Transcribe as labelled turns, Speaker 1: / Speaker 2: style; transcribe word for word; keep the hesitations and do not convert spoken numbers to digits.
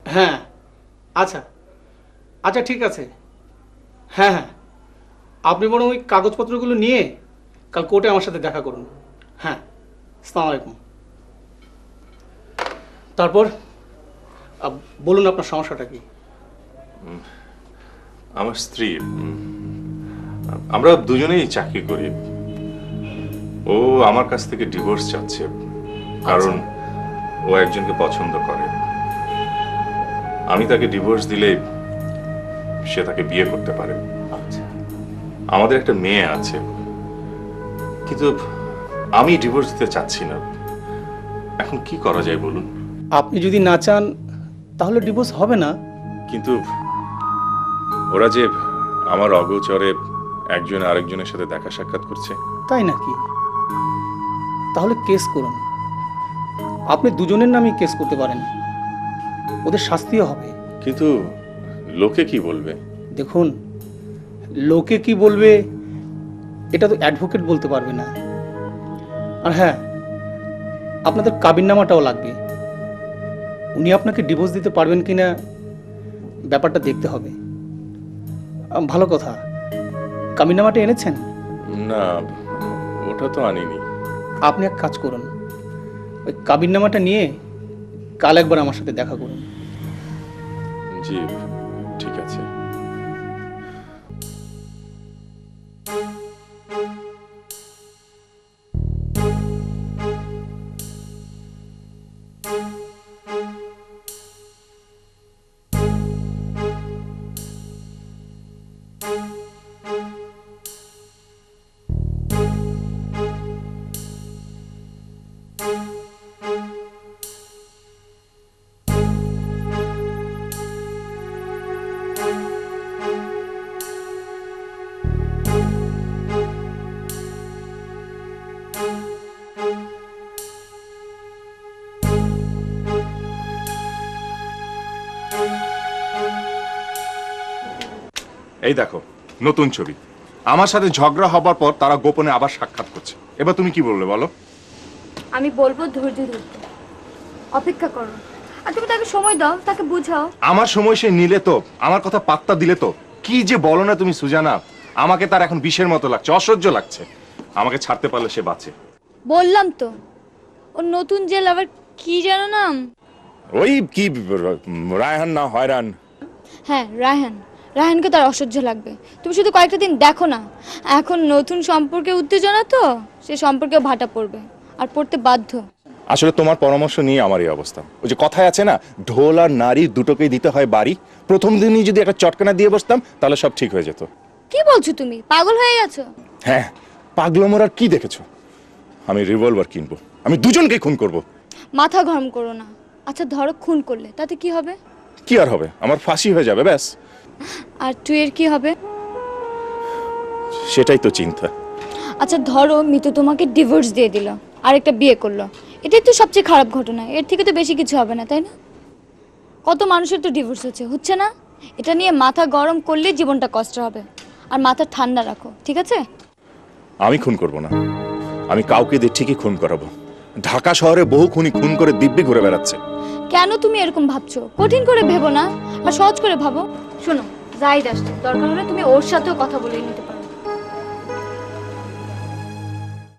Speaker 1: হ্যাঁ আচ্ছা আচ্ছা ঠিক আছে। হ্যাঁ হ্যাঁ আপনি বরং ওই কাগজপত্রগুলো নিয়ে কাল কোর্টে আমার সাথে দেখা করুন। হ্যাঁ আসসালামু আলাইকুম। তারপর বলুন আপনার সমস্যাটা কি?
Speaker 2: আমার স্ত্রী, আমরা দুজনেই চাকরি করি। ও আমার কাছ থেকে ডিভোর্স চাচ্ছে, কারণ ও একজনকে পছন্দ করে। আমি তাকে ডিভোর্স দিলে সে তাকে বিয়ে করতে পারে।
Speaker 1: আচ্ছা
Speaker 2: আমাদের একটা মেয়ে আছে, কিন্তু আমি ডিভোর্স দিতে চাচ্ছি না। এখন কি করা যায় বলুন?
Speaker 1: আপনি যদি না চান তাহলে ডিভোর্স হবে না।
Speaker 2: কিন্তু ওরা যে আমার অগোচরে একজন আরেকজনের সাথে দেখা সাক্ষাৎ করছে।
Speaker 1: তাই নাকি? তাহলে কেস করুন। আপনি দুজনের নামে কেস করতে পারেন, ওদের শাস্তিও হবে।
Speaker 2: কিন্তু লোকে কি বলবে?
Speaker 1: দেখুন, লোকে কি বলবে এটা তো অ্যাডভোকেট বলতে পারবে না। আর হ্যাঁ, আপনাদের কাবিননামাটাও লাগবে। উনি আপনাকে ডিভোর্স দিতে পারবেন কিনা ব্যাপারটা দেখতে হবে। ভালো কথা, কাবিননামাটা এনেছেন?
Speaker 2: না, ওটা তো আনিনি।
Speaker 1: আপনি এক কাজ করুন, ওই কাবিননামাটা নিয়ে কাল একবার আমার সাথে দেখা করুন।
Speaker 2: জি ঠিক আছে। এই দেখো নতুন ছবি। আমার সাথে ঝগড়া হবার পর তারা গোপনে আবার সাক্ষাৎ করছে। এবার তুমি কি বললে বলো?
Speaker 3: আমি বলবো ধৈর্য ধরতে, অপেক্ষা করো, আর তুমি তাকে সময় দাও, তাকে বুঝাও।
Speaker 2: আমার সময় সে নিলে তো, আমার কথা পাত্তা দিলে তো। কি যে বলো না তুমি সুজানা, আমাকে তার এখন বিষের মতো লাগছে, অসহ্য লাগছে। আমাকে ছাড়তে পারলে সে বাঁচে।
Speaker 3: বললাম তো, ওর নতুন যে লাভার কি যেন নাম?
Speaker 2: ওই কি রায়হান না হয়রান?
Speaker 3: হ্যাঁ রায়হান। রায়হানকে তার অসহ্য লাগবে। তুমি শুধু কয়েকটা দিন দেখো না, এখন নতুন সম্পর্কে উত্তেজনা তো, সে সম্পর্কে ভাটা পড়বে, আর পড়তে বাধ্য।
Speaker 2: আসলে তোমার পরামর্শ নিয়ে আমার এই অবস্থা। ওই যে কথায় আছে না, ঢোল আর নারী দুটোকেই দিতে হয় বাড়ি। প্রথম দিনই যদি একটা চটকানা দিয়ে বসতাম তাহলে সব ঠিক হয়ে যেত।
Speaker 3: কি বলছো তুমি? পাগল হয়ে গেছো?
Speaker 2: হ্যাঁ, পাগলমোর আর কি দেখেছো? আমি রিভলভার কিনবো, আমি দুজনকে খুন করব।
Speaker 3: মাথা গরম করো না। আচ্ছা ধরো খুন করলে, তাতে কি হবে?
Speaker 2: কি আর হবে, আমার ফাঁসি হয়ে যাবে ব্যাস।
Speaker 3: আর টুয়ের কি হবে?
Speaker 2: সেটাই তো চিন্তা।
Speaker 3: আচ্ছা ধরো মিতু তোমাকে ডিভোর্স দিয়ে দিল, আরেকটা বিয়ে করলো, এটাই তো সবচেয়ে খারাপ ঘটনা। এর থেকে তো বেশি কিছু হবে না, তাই না? কত মানুষের তো ডিভোর্স হচ্ছে, হচ্ছে না? এটা নিয়ে মাথা গরম করলে জীবনটা কষ্ট হবে। আর মাথা ঠান্ডা রাখো, ঠিক আছে?
Speaker 2: আমি খুন করব না, আমি কাউকে দিয়ে ঠিকই খুন করাবো। ঢাকা শহরে বহু খুনি খুন করে দিব্যি ঘুরে বেড়াচ্ছে।
Speaker 3: কেন তুমি এরকম ভাবছো? কঠিন করে ভেবো না, আর সহজ করে ভাবো। শোনো, জাহিদ আসছে, দরকার হলে তুমি ওর সাথেও কথা বলে নিতে পারো।